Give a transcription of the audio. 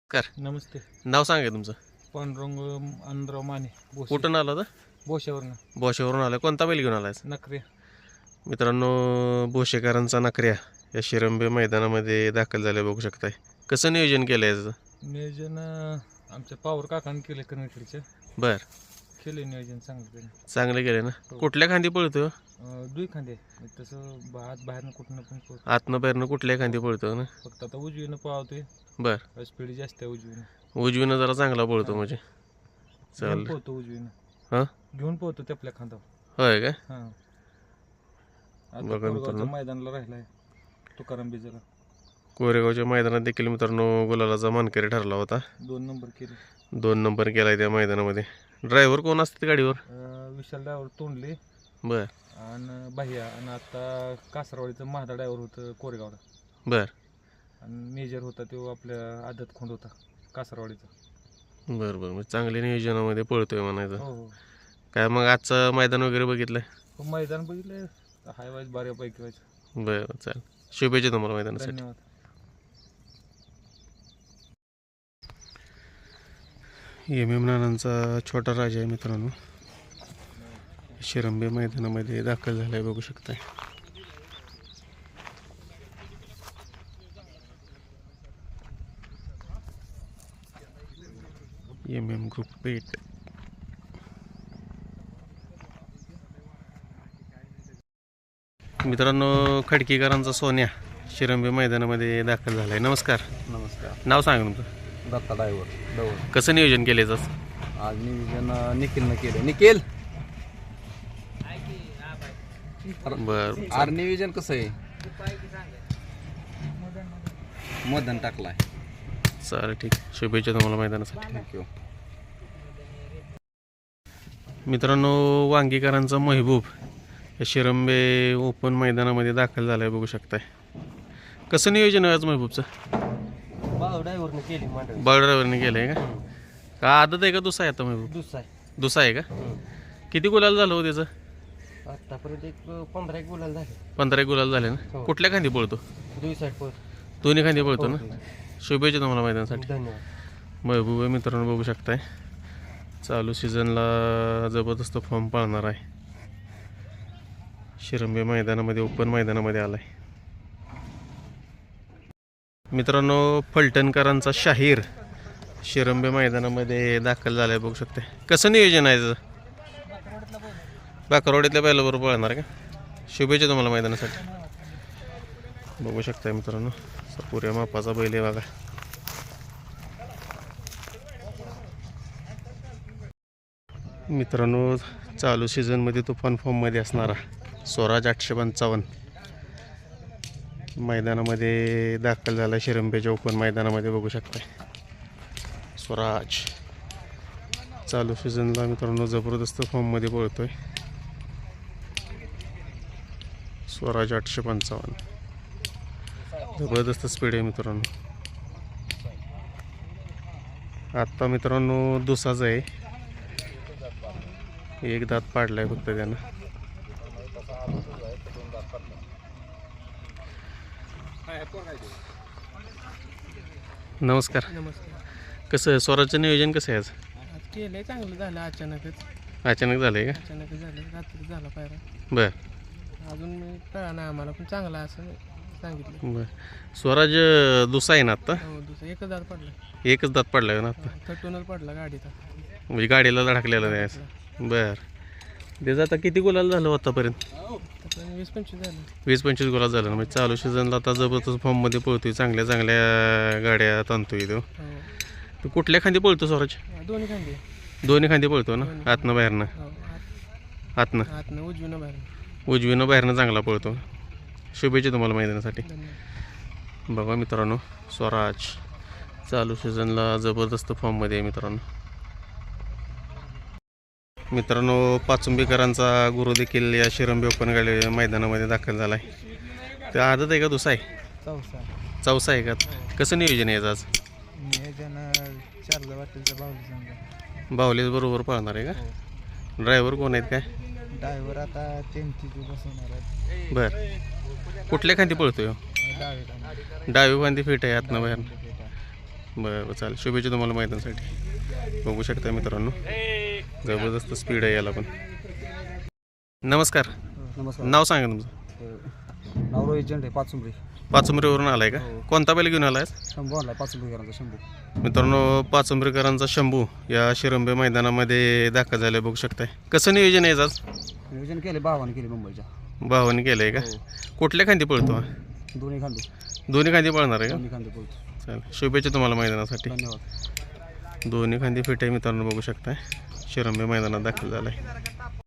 कर नमस्ते. नाव सांगा तुमचं. पांडुरंग आनंदराव माने बोशे. कुठून आला होता? बोशावरनं बोशेवरून आला. कोणता बैल घेऊन आलाय? नखरे. मित्रांनो, बोशेकरांचा नखऱ्या या शिरंबे मैदानामध्ये दाखल झाल्या बघू शकताय. कसं नियोजन केलं याचं? नियोजन आमच्या पावर काकाने केले कनेक्टरचे. बर, केले नियोजन चांगलं त्याने. चांगलं केलं ना. हो. कुठल्या खांदी पळतो? दुई खांदे तसं हात बाहेरनं कुठनं पण पळतो. आतनं बाहेरनं कुठल्या खांदी पळतो ना? फक्त आता उजवीनं पळवतोय. बर, स्पीड जास्त आहे उजवीनं. उजवीनं जरा चांगला पळतो म्हणजे. घेऊन चालेल. पोहतो उजवीनं. हां, घेऊन पोहतो ते आपल्या खांदावर. होय काय? हां. आता बघा कोरेगावच्या मित्रांनो. मैदानाला राहिलाय तुकाराम बिजरा. कोरेगावच्या मैदानात देखील मित्रांनो गुलालाचा मानकरी ठरला होता. 2 नंबर केले. 2 नंबर केलाय त्या मैदानामध्ये. ड्रायव्हर कोण असते गाडीवर? विशाल ड्रायव्हर तोंडले बर आणि बाह्या आणि आता कासरवाडीचं महादा ड्रायव्हर होतं कोरेगावला. बर आणि मेजर होता तो आपल्या आदत खोंड होता कासरवाडीचा. बरं बरं, मग चांगल्या नियोजनामध्ये पळतोय म्हणायचं. हो हो. काय मग आजचं मैदान वगैरे बघितलंय? हो, मैदान बघितलं हाय वाईज बऱ्यापैकी व्हायचं. बरं, चालेल. शुभेच्छा तुम्हाला मैदानासाठी. धन्यवाद. एम नानांचा छोटा राजा आहे मित्रांनो, शिरंबे मैदानामध्ये दाखल झालाय बघू शकताय. एम ग्रुप पेट. मित्रांनो, खडकीकरांचा सोन्या शिरंबे मैदानामध्ये दाखल झालाय. नमस्कार. नमस्कार. नाव सांगा तुमचं. दत्ता ड्रायव्हर दौड. कसं नियोजन केलं आज? आज नियोजन निखिलनं केलं. निखिल बरं, आर नियोजन कसं आहे? मदन टाकलाय. चालेल, ठीक. शुभेच्छा तुम्हाला मैदानासाठी. थँक्यू. मित्रांनो, वांगीकरांचा महबूब या शिरंबे ओपन मैदानामध्ये दाखल झालाय बघू शकताय. कसं नियोजन आहे आज महबूबचं? ड्रायव्हरने केली बळ ड्रायव्हरने केलंय का आदत आहे का दुसरा आहे आता महबूब? दुसरा आहे का? किती गुलाल झालं हो त्याचं? आतापर्यंत एक 15 गुलाल झाले. 15 गुलाल झाले ना. हो. कुठल्या खांदी पळतो? दुई साईड पळतो. दोन्ही खांदी पळतो ना. शुभेच्छा तुम्हाला मैदानासाठी. धन्यवाद. महबूब आहे मित्रांनो बघू शकताय. चालू सीझनला जबरदस्त फॉर्म पाळणार आहे. शिरंबे मैदानामध्ये ओपन मैदानामध्ये आलाय. मित्रांनो, फलटणकरांचा शाहीर शिरंबे मैदानामध्ये दाखल झालाय बघू शकताय. कसं नियोजन आहे त्याचं? बाकरवाडीतल्या बैलाबरोबर पळणार का? शुभेच्छा तुम्हाला मैदानासाठी. बघू शकताय मित्रांनो, पुऱ्या मापाचा बैल आहे बघा. मित्रांनो, चालू सीझनमध्ये तुफान फॉर्ममध्ये असणारा स्वराज 855 मैदानामध्ये दाखल झाला. शिरंबेच्या ओपन मैदानामध्ये बघू शकताय. स्वराज चालू सीझनला मित्रांनो जबरदस्त फॉर्ममध्ये पळतोय. स्वराज 855 जबरदस्त स्पीड आहे मित्रांनो. आत्ता मित्रांनो दुसाच आहे. एक दात पाडलाय फक्त त्यानं. नमस्कार. नमस्कार. कसं स्वराजचं नियोजन कसं आहे आज? आज केलंय चांगलं झालं. अचानकच झालंय का? झालं. रात्री झाला पायरा. बर अजून मी कळा नाही आम्हाला, पण चांगला असं सांगितलं. बर. स्वराज दुसा आहे ना आत्ता? हो, दुसरं एकच दात पडला. एकच दात पडलाय ना आत्ता? थटूनच पडला गाडीचा. म्हणजे गाडीला धडकलेलं नाही. बर. त्याचं आता किती गुलाल झालं आतापर्यंत? 20-25 झालं. 20-25 गुलाल झालं ना. म्हणजे चालू सीझनला आता जबरदस्त फॉर्ममध्ये पळतोय. चांगल्या चांगल्या गाड्या ताणतोय तो. हो. तो कुठल्या खांदी पळतो स्वराज? दोन्ही खांदे. दोन्ही खांदी पळतो ना. आतनं बाहेरनं? हो, आतनं आतनं उजवीनं बाहेर. उजवीनं बाहेरनं चांगला पळतो. शुभेच्छा तुम्हाला मैदानासाठी. धन्यवाद. बघा मित्रांनो, स्वराज चालू सीझनला जबरदस्त फॉर्ममध्ये आहे मित्रांनो. पाचुंबीकरांचा गुरु देखील या शिरंबे ओपन गाडी मैदानामध्ये दाखल झाला आहे. तर आदत आहे का दुसरा आहे? चौसा आहे का? कसं नियोजन आहे आज? नियोजन 4 वाटेलचा बावली. बाहुलीच बरोबर पळणार आहे का? ड्रायव्हर कोण आहेत काय? ड्रायव्हर आता 3 बसवणार आहेत. बरं. कुठल्या खांदी पळतोय? डावी खांदी फिट आहे आतनं बाहेर. बरं चालेल. शुभेच्छा तुम्हाला मैदानासाठी. बघू शकता मित्रांनो जबरदस्त स्पीड आहे याला पण. नमस्कार. नमस्कार. नाव सांगा तुमचं. नाव रोहित झेंडे, पाचुंबरी. पाचुंबरीवरून आलाय का? कोणता बैल घेऊन आलाय? शंभू आणलाय, पाचुंबरीकरांचा शंभू. मित्रांनो पाचुंबरीकरांचा शंभू या शिरंबे मैदानामध्ये दाखल झाले बघू शकताय. कसं नियोजन आहे आज? नियोजन केले, भावाने केले मुंबईच्या. भावाने केलंय का? कुठल्या खांदी पळतो हा? दोन्ही खांदे. दोन्ही खांदी पळणार आहे का? दोन्ही खांदे बोलतो. चालेल. शुभेच्छा तुम्हाला मैदानासाठी. धन्यवाद. दोन्ही खांदी फिट आहे मित्रांनो बघू शकताय. शिरंबे मैदानात दाखल झालाय.